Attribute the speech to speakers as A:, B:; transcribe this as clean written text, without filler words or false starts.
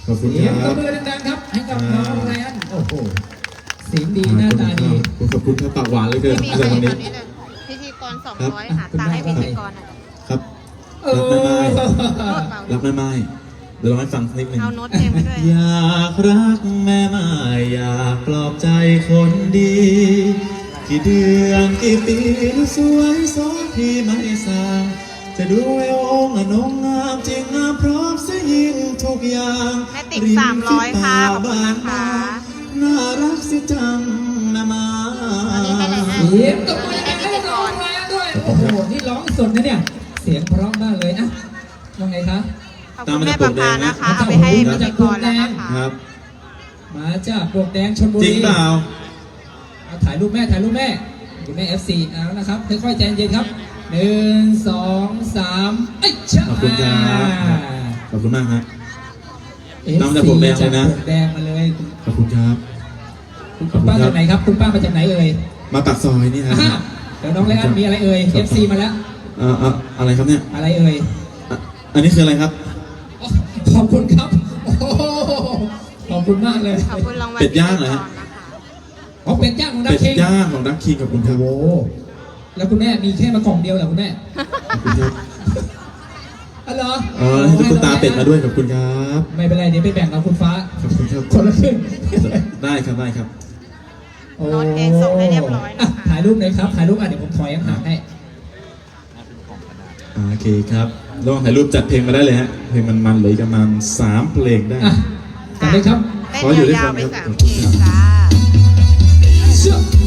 A: ขอบคุณ
B: เสีย
A: ค
B: งต
A: รั
B: บบ มือดังๆครับให้กับน้องไรอันโอ้โหเสียงดีหน้าตาดี
A: ขอบคุณครับปากหวานเลยเกิน
C: ไม่มี
A: อะไร
C: ใคร
A: วัน
C: ต
A: นี้
C: อนนี้เลยพิธีกร200หาตังค์ให้พิธีกรหน่อย
A: ครับ
B: เอ
A: รักแม่ไม้
B: อ
A: รักแม่ไม้เดี๋ยวเราให้ฟังนิดนึง
C: เอาโน้ตเพลงไปด้วย
A: อยากรักแม่ไม้อยากปลอบใจคนดี กี่เดือนกี่ปีสวยสองพี่ไม่สางจะดูเอวองค์น้องงามจริงงามพร้อมเสียยิ่งทุกอย่าง
C: แม่ติ๊ก300ค่ะขอบคุณนะคะ
A: น่ารักสิจังแม่ไม้
C: อันนี้ให้เลยนะ
B: เสียงตบมือดังๆให้น้องไรอันด้วยโอ้โหนี่ร้องสดนะเนี่ยเสียงเพราะมากเลยนะว่าไงคะ
C: ขอบคุณแม่ประภานะคะ เอาไปให้พิธีกรแล้วนะคะ
A: ครับ
B: มาจากปลวกแดงชลบุรี
A: จริงเปล่า
B: เอาถ่ายรูปแม่คุณแม่ FC เอานะครับค่อยๆใจเย็นครับ1 2 3เอ้ยชะ
A: ขอบคุณครับขอบคุณมากครับ
B: FC
A: น้ำจากปลวกแดงเลยนะ
B: จากปลวกแดงมาเลย
A: ขอบคุณครับ
B: คุณป้าจากไหนครับคุณป้ามาจากไหนเอ่ย
A: มาปากซอยนี่ครับ
B: อ่าเดี๋ยวน้องไรอันมีอะไรเอ่ย FC มาแล้ว
A: อะไรครับเนี่ย
B: อะไรเอ่ย
A: อันนี้คืออะไรครับ
B: อ๋อขอบคุณครับโอ้โหขอบคุณมากเลย
C: ขอบคุณรางวัล
A: เป็ดย่างเหรอฮะ
B: อ๋อเป็ดย่างของดั
A: เป็
B: ก
A: ด
B: คิง
A: ย่างของดักคิงขอบคุณครับ
B: โอ้โหแล้วคุณแม่มีแค่มากล่องเดียวเหรอคุณแม่
A: ขอบคุณครับ
B: อ๋อเหรอ
A: ให้ตุ๊กตาเป็ดมาด้วยขอบคุณครับ
B: ไม่เป็นไรเดี๋ยวไปแบ่งกับคุณฟ้า
A: ขอบคุณครับ
B: คนละครึ่ง
A: ได้ครับได้ครับ
B: โอ้
C: โน้ตเพลงส่งให้เรียบร้อยนะคะ
B: ถ่ายรูปเลยครับถ่ายรูปเดี๋ยวผมถอยห่างให้
A: โอเคครับลองถ่ายรูปจัดเพลงมาได้เลยฮะเพลงมันๆเหลยประมาณ3 เพลงได้
B: อ่ะจัดเลยครับ
C: เต้นยาวๆไป3 เพลงจ้า
B: เชื่อ